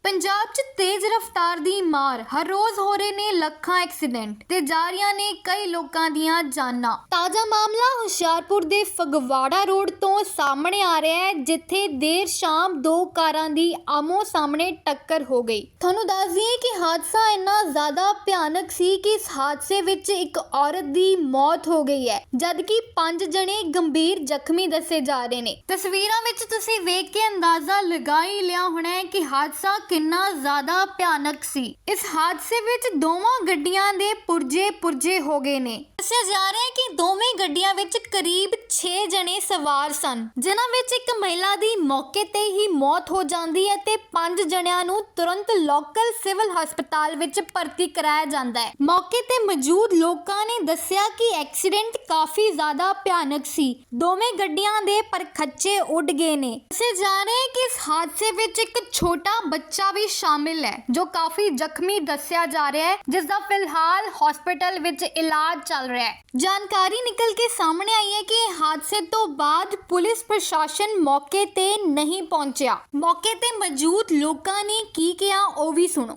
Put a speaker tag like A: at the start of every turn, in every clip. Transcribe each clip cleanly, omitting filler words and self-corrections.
A: ਪੰਜਾਬ 'ਚ ਤੇਜ਼ ਰਫ਼ਤਾਰ ਦੀ ਮਾਰ ਹਰ ਰੋਜ਼ ਹੋ ਰਹੇ ਨੇ ਲੱਖਾਂ ਐਕਸੀਡੈਂਟ ਤੇ ਜਾ ਰਹੀਆਂ ਨੇ ਕਈ ਲੋਕਾਂ ਦੀਆਂ ਜਾਨਾਂ। ਤਾਜ਼ਾ ਮਾਮਲਾ ਹੁਸ਼ਿਆਰਪੁਰ ਦੇ ਫਗਵਾੜਾ ਰੋਡ ਤੋਂ ਸਾਹਮਣੇ ਆ ਰਿਹਾ ਹੈ, ਜਿੱਥੇ ਦੇਰ ਸ਼ਾਮ ਦੋ ਕਾਰਾਂ ਦੀ ਆਮੋ ਸਾਹਮਣੇ ਟੱਕਰ ਹੋ ਗਈ। ਤੁਹਾਨੂੰ ਦੱਸ ਦਈਏ ਕਿ ਹਾਦਸਾ ਇੰਨਾ ਜ਼ਿਆਦਾ ਭਿਆਨਕ ਸੀ ਕਿ ਇਸ ਹਾਦਸੇ ਵਿੱਚ ਇੱਕ ਔਰਤ ਦੀ ਮੌਤ ਹੋ ਗਈ ਹੈ, ਜਦਕਿ 5 ਜਣੇ ਗੰਭੀਰ ਜ਼ਖਮੀ ਦੱਸੇ ਜਾ ਰਹੇ ਨੇ। ਤਸਵੀਰਾਂ ਵਿੱਚ ਤੁਸੀਂ ਵੇਖ ਕੇ ਅੰਦਾਜ਼ਾ ਲਗਾ ਹੀ ਲਿਆ ਹੋਣਾ ਹੈ ਕਿ ਹਾਦਸਾ ਕਿੰਨਾ ਜ਼ਿਆਦਾ ਭਿਆਨਕ ਸੀ। ਇਸ ਹਾਦਸੇ ਵਿੱਚ ਦੋਵਾਂ ਗੱਡੀਆਂ ਦੇ ਪੁਰਜੇ ਹੋ ਗਏ ਨੇ। ਦੱਸਿਆ ਜਾ ਰਿਹਾ ਹੈ ਕਿ ਦੋਵੇਂ ਗੱਡੀਆਂ ਵਿੱਚ ਕਰੀਬ 6 ਜਣੇ ਸਵਾਰ ਸਨ, ਜਿਨ੍ਹਾਂ ਵਿੱਚ ਇੱਕ ਮਹਿਲਾ ਦੀ ਮੌਕੇ ਤੇ ਹੀ ਮੌਤ ਹੋ ਜਾਂਦੀ ਹੈ ਤੇ 5 ਜਣਿਆਂ ਨੂੰ ਤੁਰੰਤ ਲੋਕਲ ਸਿਵਲ ਹਸਪਤਾਲ ਵਿੱਚ ਭਰਤੀ ਕਰਾਇਆ ਜਾਂਦਾ ਹੈ। ਮੌਕੇ ਤੇ ਮੌਜੂਦ ਲੋਕਾਂ ਨੇ ਦੱਸਿਆ ਕਿ ਐਕਸੀਡੈਂਟ ਕਾਫੀ ਜ਼ਿਆਦਾ ਭਿਆਨਕ ਸੀ। ਦੋਵੇਂ ਗੱਡੀਆਂ ਦੇ ਪਰਖੱਚੇ ਉੱਡ ਗਏ ਨੇ। ਦੱਸਿਆ ਜਾ ਰਿਹਾ ਹੈ ਕਿ ਇਸ ਹਾਦਸੇ ਵਿੱਚ ਇੱਕ ਛੋਟਾ ਬੱਚਾ ਵੀ ਸ਼ਾਮਿਲ ਹੈ, ਜੋ ਕਾਫੀ ਜ਼ਖਮੀ ਦੱਸਿਆ ਜਾ ਰਿਹਾ ਹੈ, ਜਿਸ ਦਾ ਫਿਲਹਾਲ ਹਸਪਤਾਲ ਵਿੱਚ ਇਲਾਜ ਚੱਲ ਰਿਹਾ ਹੈ। ਜਾਣਕਾਰੀ ਨਿਕਲ ਕੇ ਸਾਹਮਣੇ ਆਈ ਹੈ ਕਿ ਹਾਦਸੇ ਤੋਂ ਬਾਅਦ ਪੁਲਿਸ ਪ੍ਰਸ਼ਾਸਨ ਮੌਕੇ ਤੇ ਨਹੀਂ ਪਹੁੰਚਿਆ। ਮੌਕੇ ਤੇ ਮੌਜੂਦ ਲੋਕਾਂ ਨੇ ਕੀ ਕਿਹਾ ਉਹ ਵੀ ਸੁਣੋ।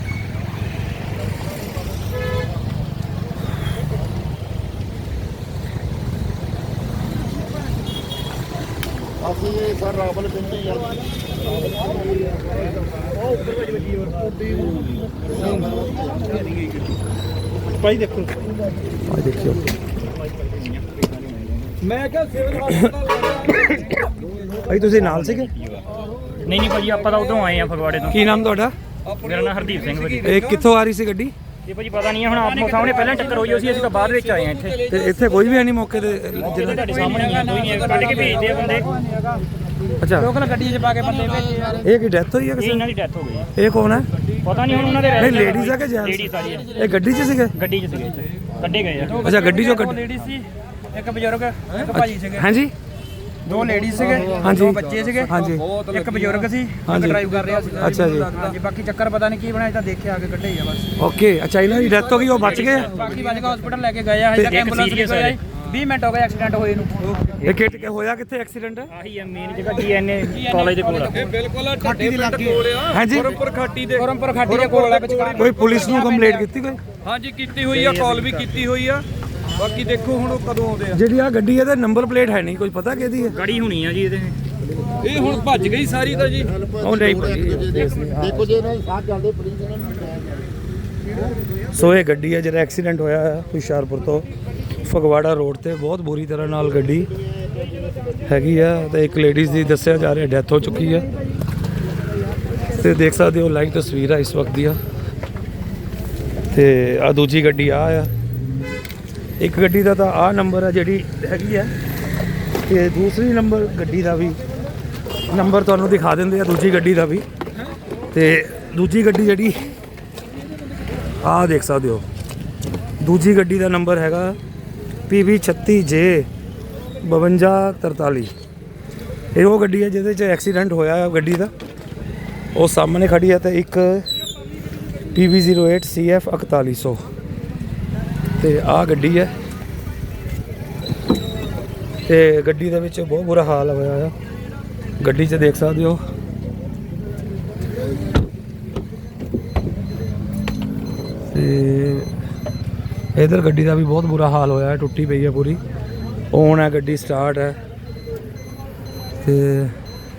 B: ਅਸੀਂ ਸਰ ਰਾਵਲ ਪਿੰਡ ਹੀ ਭਾਈ ਦੇਖੋ
C: ਮੈਂ ਕਿਹਾ ਸਿਵਲ ਹਸਪਤਾਲ
D: ਭਾਈ ਤੁਸੀਂ ਨਾਲ ਸੀਗੇ?
E: ਨਹੀਂ ਭਾਜੀ, ਆਪਾਂ ਤਾਂ ਉਧਰੋਂ ਆਏ ਆ ਫਗਵਾੜੇ ਤੋਂ।
D: ਕੀ ਨਾਮ ਤੁਹਾਡਾ?
E: ਮੇਰਾ ਨਾਮ ਹਰਦੀਪ ਸਿੰਘ ਭਾਜੀ।
D: ਇਹ ਕਿੱਥੋਂ ਆ ਰਹੀ ਸੀ ਗੱਡੀ?
E: ਇਹ ਭਾਜੀ ਪਤਾ ਨਹੀਂ ਹੈ, ਹੁਣ ਆਪੋ ਸਾਹਮਣੇ ਪਹਿਲਾਂ ਟੱਕਰ ਹੋਈ ਸੀ, ਅਸੀਂ ਤਾਂ ਬਾਅਦ ਵਿੱਚ ਆਏ ਆ ਇੱਥੇ।
D: ਤੇ ਇੱਥੇ ਕੋਈ ਵੀ ਹੈ ਨਹੀਂ ਮੌਕੇ ਤੇ?
E: ਤੁਹਾਡੇ ਸਾਹਮਣੇ ਹੀ ਆ, ਕੋਈ ਨਹੀਂ, ਕੱਢ ਕੇ ਭੇਜਦੇ ਆ ਬੰਦੇ।
D: ਅੱਛਾ,
C: ਲੋਕਲ ਗੱਡੀ 'ਚ ਪਾ ਕੇ ਬੰਦੇ ਭੇਜੇ ਯਾਰ।
D: ਇਹ ਕੀ ਡੈਥ ਹੋਈ ਹੈ
E: ਇਹ
D: ਕਿਸੇ?
E: ਇਹਨਾਂ ਦੀ ਡੈਥ ਹੋ ਗਈ।
D: ਇਹ ਕੌਣ ਹੈ?
E: ਪਤਾ ਨਹੀਂ ਹੁਣ ਉਹਨਾਂ ਦੇ
D: ਨਹੀਂ, ਲੇਡੀਜ਼ ਆ ਕਿ ਜੈਂਟਸ?
E: ਲੇਡੀਜ਼ ਆ ਜੀ।
D: ਇਹ ਗੱਡੀ 'ਚ ਸੀਗੇ?
E: ਗੱਡੀ 'ਚ ਸੀਗੇ, ਇੱਥੇ ਕੱਢੇ ਗਏ ਆ।
D: ਅੱਛਾ, ਗੱਡੀ 'ਚੋਂ
C: ਦੋ
D: ਕੱਢ।
C: ਲੇਡੀਜ਼ ਸੀ, ਇੱਕ ਬਜ਼ੁਰਗ, ਇੱਕ ਭਾਜੀ ਸੀਗੇ।
D: ਹਾਂਜੀ
C: ਦੋ ਲੇਡੀਜ਼ ਸੀਗੇ,
D: ਹਾਂਜੀ।
C: ਦੋ ਬੱਚੇ ਸੀਗੇ,
D: ਹਾਂਜੀ।
C: ਇੱਕ ਬਜ਼ੁਰਗ ਸੀ, ਇੱਕ
D: ਹਾਂਜੀ।
C: ਡਰਾਈਵ ਕਰ ਰਿਹਾ ਸੀ।
D: ਅੱਛਾ ਜੀ।
C: ਹਾਂਜੀ, ਬਾਕੀ ਚੱਕਰ ਪਤਾ ਨਹੀਂ ਕੀ ਬਣਿਆ, ਤਾਂ ਦੇਖਿਆ ਆ ਕੇ ਕੱਢੇ ਹੀ ਆ ਬਸ।
D: ਓਕੇ, ਅੱਛਾ, ਇਹਨਾਂ ਦੀ ਡੈਥ ਹੋ ਗਈ, ਉਹ ਬਚ ਗਏ?
C: ਬਾਕੀ ਵੱਜ ਕੇ ਹਸਪੀਟਲ ਲੈ ਕੇ ਗਏ ਆ, ਹਜੇ ਤੱਕ
E: ਇੱਕ
C: ਐਂਬੂਲੈਂਸ ਨਹੀਂ
E: serious
C: ਆਈ। 20 ਮਿੰਟ ਹੋ ਗਏ ਐਕਸੀਡੈਂਟ ਹੋਏ ਨੂੰ।
D: ਇਹ ਕਿੱਟ ਕੇ ਹੋਇਆ ਕਿੱਥੇ ਐਕਸੀਡੈਂਟ?
E: ਆਹੀ ਆ ਮੇਨ ਜਗ੍ਹਾ, DNA ਕਾਲਜ ਦੇ ਕੋਲ ਆ।
C: ਬਿਲਕੁਲ ਠੱਡੀ ਦੇ ਲੱਗੇ ਕੋਲ ਆ।
D: ਹਾਂਜੀ,
C: ਖੁਰਮਪੁਰ ਖਾਟੀ ਦੇ ਕੋਲ ਆ ਵਿਚਕਾਰ।
D: ਕੋਈ ਪੁਲਿਸ ਨੂੰ ਕੰਪਲੇਂਟ ਕੀਤੀ ਕੋਈ?
C: ਹਾਂਜੀ ਕੀਤੀ ਹੋਈ ਆ, ਕਾਲ ਵੀ ਕੀਤੀ ਹੋਈ ਆ। ਬਾਕੀ ਦੇਖੋ ਹੁਣ ਉਹ ਕਦੋਂ ਆਉਂਦੇ ਆ।
D: ਜਿਹੜੀ ਆ ਗੱਡੀ ਇਹਦਾ ਨੰਬਰ ਪਲੇਟ ਹੈ ਨਹੀਂ, ਕੋਈ ਪਤਾ ਕਿਹਦੀ ਹੈ?
E: ਗਾੜੀ ਹੋਣੀ ਆ ਜੀ ਇਹਦੇ।
C: ਇਹ ਹੁਣ ਭੱਜ ਗਈ ਸਾਰੀ ਤਾਂ ਜੀ।
D: ਉਹ ਨਹੀਂ
B: ਦੇਖੋ ਜੇ ਇਹਨਾਂ ਦੇ ਸਾਥ ਚੱਲਦੇ ਪੁਲਿਸ ਇਹਨਾਂ ਨੂੰ
D: ਸੋ ਇਹ ਗੱਡੀ ਹੈ ਜਿਹੜਾ ਐਕਸੀਡੈਂਟ ਹੋਇਆ ਹੈ ਹੁਸ਼ਿਆਰਪੁਰ ਤੋਂ ਫਗਵਾੜਾ ਰੋਡ ਤੇ। ਬਹੁਤ ਬੁਰੀ ਤਰ੍ਹਾਂ ਨਾਲ ਗੱਡੀ ਹੈਗੀ ਆ ਤੇ ਇੱਕ ਲੇਡੀਜ਼ ਦੀ ਦੱਸਿਆ ਜਾ ਰਿਹਾ ਡੈਥ ਹੋ ਚੁੱਕੀ ਹੈ। ਤੇ ਦੇਖ ਸਕਦੇ ਹੋ ਲਾਈਵ ਤਸਵੀਰ ਆ ਇਸ ਵਕਤ ਦੀਆਂ। ਤੇ ਆ ਦੂਜੀ ਗੱਡੀ ਆ ਇੱਕ ਗੱਡੀ ਦਾ ਤਾਂ ਆ ਨੰਬਰ ਆ ਜਿਹੜੀ ਹੈਗੀ ਆ, ਤੇ ਦੂਸਰੀ ਨੰਬਰ ਗੱਡੀ ਦਾ ਵੀ ਨੰਬਰ ਤੁਹਾਨੂੰ ਦਿਖਾ ਦਿੰਦੇ ਆ, ਦੂਜੀ ਗੱਡੀ ਦਾ ਵੀ। ਤੇ ਦੂਜੀ ਗੱਡੀ ਜਿਹੜੀ ਆਹ ਦੇਖ ਸਕਦੇ ਹੋ, ਦੂਜੀ ਗੱਡੀ ਦਾ ਨੰਬਰ ਹੈਗਾ PB 36J 5243। ਇਹ ਉਹ ਗੱਡੀ ਹੈ ਜਿਹਦੇ 'ਚ ਐਕਸੀਡੈਂਟ ਹੋਇਆ ਹੈ ਗੱਡੀ ਦਾ, ਉਹ ਸਾਹਮਣੇ ਖੜੀ ਹੈ। ਤੇ ਇੱਕ PB 08 CF 4100 ਤੇ ਆਹ ਗੱਡੀ ਹੈ। ਤੇ ਗੱਡੀ ਦੇ ਵਿੱਚ ਬਹੁਤ ਬੁਰਾ ਹਾਲ ਹੋਇਆ ਆ ਗੱਡੀ 'ਚ, ਦੇਖ ਸਕਦੇ ਹੋ। ਤੇ ਇਧਰ ਗੱਡੀ ਦਾ ਵੀ ਬਹੁਤ ਬੁਰਾ ਹਾਲ ਹੋਇਆ ਹੈ, ਟੁੱਟੀ ਪਈ ਹੈ ਪੂਰੀ। ਔਨ ਹੈ ਗੱਡੀ, ਸਟਾਰਟ ਹੈ। ਤੇ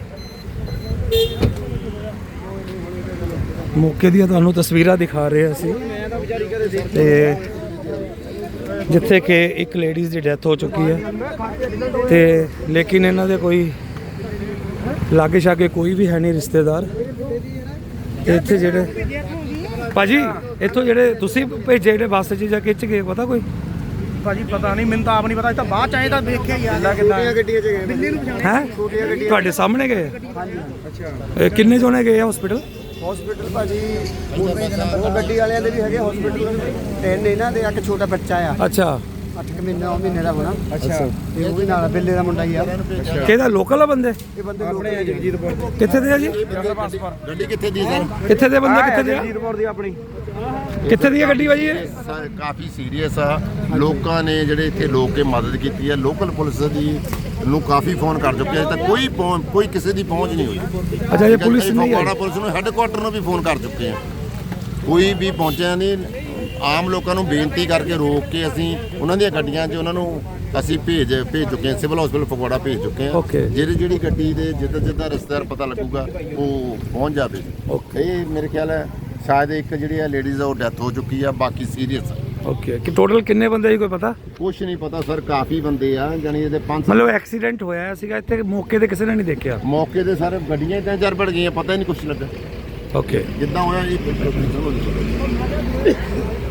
D: ਮੌਕੇ ਦੀਆਂ ਤੁਹਾਨੂੰ ਤਸਵੀਰਾਂ ਦਿਖਾ ਰਹੇ ਅਸੀਂ, ਤੇ ਜਿੱਥੇ ਕਿ ਇੱਕ ਲੇਡੀਜ਼ ਦੀ ਡੈਥ ਹੋ ਚੁੱਕੀ ਹੈ। ਤੇ ਲੇਕਿਨ ਇਹਨਾਂ ਦੇ ਕੋਈ ਲਾਗੇ ਛਾਗੇ ਕੋਈ ਵੀ ਹੈ ਨਹੀਂ ਰਿਸ਼ਤੇਦਾਰ। ਤੇ ਇੱਥੇ ਜਿਹੜੇ ਭਾਜੀ ਇੱਥੋਂ ਜਿਹੜੇ ਤੁਸੀਂ ਭੇਜੇ ਜਿਹੜੇ ਬੱਸ 'ਚ ਜਾਂ ਖਿੱਚ ਗਏ, ਪਤਾ ਕੋਈ?
C: ਭਾਜੀ ਪਤਾ ਨਹੀਂ, ਮੈਨੂੰ ਤਾਂ ਆਪ ਨਹੀਂ ਪਤਾ। ਇਹ ਤਾਂ ਬਾਅਦ ਚ ਆਏ ਤਾਂ ਦੇਖਿਆ ਹੀ ਆ ਕਿੱਦਾਂ
B: ਗੱਡੀਆਂ 'ਚ ਗਏ
C: ਦਿੱਲੀ ਨੂੰ ਪਛਾਣਿਆ।
D: ਹੈ ਤੁਹਾਡੇ ਸਾਹਮਣੇ ਗਏ?
C: ਹਾਂਜੀ। ਅੱਛਾ,
D: ਕਿੰਨੇ ਜਣੇ ਗਏ ਆ ਹਸਪੀਟਲ?
B: ਹਸਪੀਟਲ ਭਾਜੀ ਉਹ ਗੱਡੀ ਵਾਲਿਆਂ ਦੇ ਵੀ ਹੈਗੇ ਹਸਪੀਟਲ, ਤਿੰਨ ਇਹਨਾਂ ਦੇ, ਇੱਕ ਛੋਟਾ ਬੱਚਾ ਆ
D: ਅੱਛਾ,
B: 8 ਮਹੀਨੇ ਦਾ ਹੋਣਾ।
C: ਅੱਛਾ।
B: ਤੇ ਉਹ ਵੀ ਨਾਲ ਬਿੱਲੇ ਦਾ ਮੁੰਡਾ ਹੀ ਆ।
D: ਕਿਹਦਾ ਲੋਕਲ ਆ ਬੰਦੇ?
B: ਇਹ ਬੰਦੇ
C: ਆਪਣੇ ਜਗਜੀਤਪੁਰ ਦੇ।
D: ਕਿੱਥੇ ਦੇ ਆ ਜੀ?
B: ਗੱਡੀ ਕਿੱਥੇ ਦੀ ਸਰ?
D: ਕਿੱਥੇ ਦੇ ਬੰਦੇ? ਕਿੱਥੇ ਦੇ ਆ?
C: ਜਗਜੀਤਪੁਰ ਦੀ ਆਪਣੀ।
D: ਕਿੱਥੇ ਦੀ ਹੈ ਗੱਡੀ ਭਾਜੀ ਇਹ?
B: ਕਾਫੀ ਸੀਰੀਅਸ ਆ। ਲੋਕਾਂ ਨੇ ਜਿਹੜੇ ਇੱਥੇ ਲੋਕ ਕੇ ਮਦਦ ਕੀਤੀ ਹੈ, ਲੋਕਲ ਪੁਲਿਸ ਦੀ
F: ਨੂੰ ਕਾਫੀ ਫੋਨ ਕਰ ਚੁੱਕੇ ਆ, ਤਾਂ ਕੋਈ ਕਿਸੇ ਦੀ ਪਹੁੰਚ ਨਹੀਂ ਹੋਈ।
D: ਅੱਛਾ, ਇਹ ਪੁਲਿਸ ਨਹੀਂ
F: ਫਗਵਾੜਾ
D: ਆਈ?
F: ਪੁਲਿਸ ਨੂੰ ਹੈੱਡਕੁਆਟਰ ਨੂੰ ਵੀ ਫੋਨ ਕਰ ਚੁੱਕੇ ਆ, ਕੋਈ ਵੀ ਪਹੁੰਚਿਆ ਨਹੀਂ। ਆਮ ਲੋਕਾਂ ਨੂੰ ਬੇਨਤੀ ਕਰਕੇ ਰੋਕ ਕੇ ਅਸੀਂ ਉਹਨਾਂ ਦੀਆਂ ਗੱਡੀਆਂ 'ਚ ਉਹਨਾਂ ਨੂੰ ਅਸੀਂ ਭੇਜ ਚੁੱਕੇ ਹਾਂ, ਸਿਵਲ ਹਸਪੀਟਲ ਫਗਵਾੜਾ ਭੇਜ ਚੁੱਕੇ ਹਾਂ।
D: Okay.
F: ਜਿਹੜੀ ਗੱਡੀ ਦੇ ਜਿੱਦਾਂ ਰਿਸ਼ਤੇਦਾਰ ਪਤਾ ਲੱਗੂਗਾ ਉਹ ਪਹੁੰਚ ਜਾਵੇ। ਇਹ ਮੇਰੇ ਖਿਆਲ ਹੈ ਸ਼ਾਇਦ ਇੱਕ ਜਿਹੜੀ ਆ ਲੇਡੀਜ਼ ਆ ਉਹ ਡੈਥ ਹੋ ਚੁੱਕੀ ਆ, ਬਾਕੀ ਸੀਰੀਅਸ ਆ।
D: ਓਕੇ, ਕਿ ਟੋਟਲ ਕਿੰਨੇ ਬੰਦੇ ਸੀ ਕੋਈ ਪਤਾ?
F: ਕੁਛ ਨਹੀਂ ਪਤਾ ਸਰ, ਕਾਫੀ ਬੰਦੇ ਆ, ਜਾਨੀ ਇਹਦੇ 5
D: ਮਤਲਬ ਐਕਸੀਡੈਂਟ ਹੋਇਆ ਸੀਗਾ ਇੱਥੇ, ਮੌਕੇ ਤੇ ਕਿਸੇ ਨੇ ਨਹੀਂ ਦੇਖਿਆ?
F: ਮੌਕੇ ਤੇ ਸਾਰੇ ਗੱਡੀਆਂ 3-4 ਭੜ ਗਈਆਂ, ਪਤਾ ਹੀ ਨਹੀਂ ਕੁਛ ਲੱਗਾ।
D: ਓਕੇ,
F: ਜਿੱਦਾਂ ਹੋਇਆ ਇਹ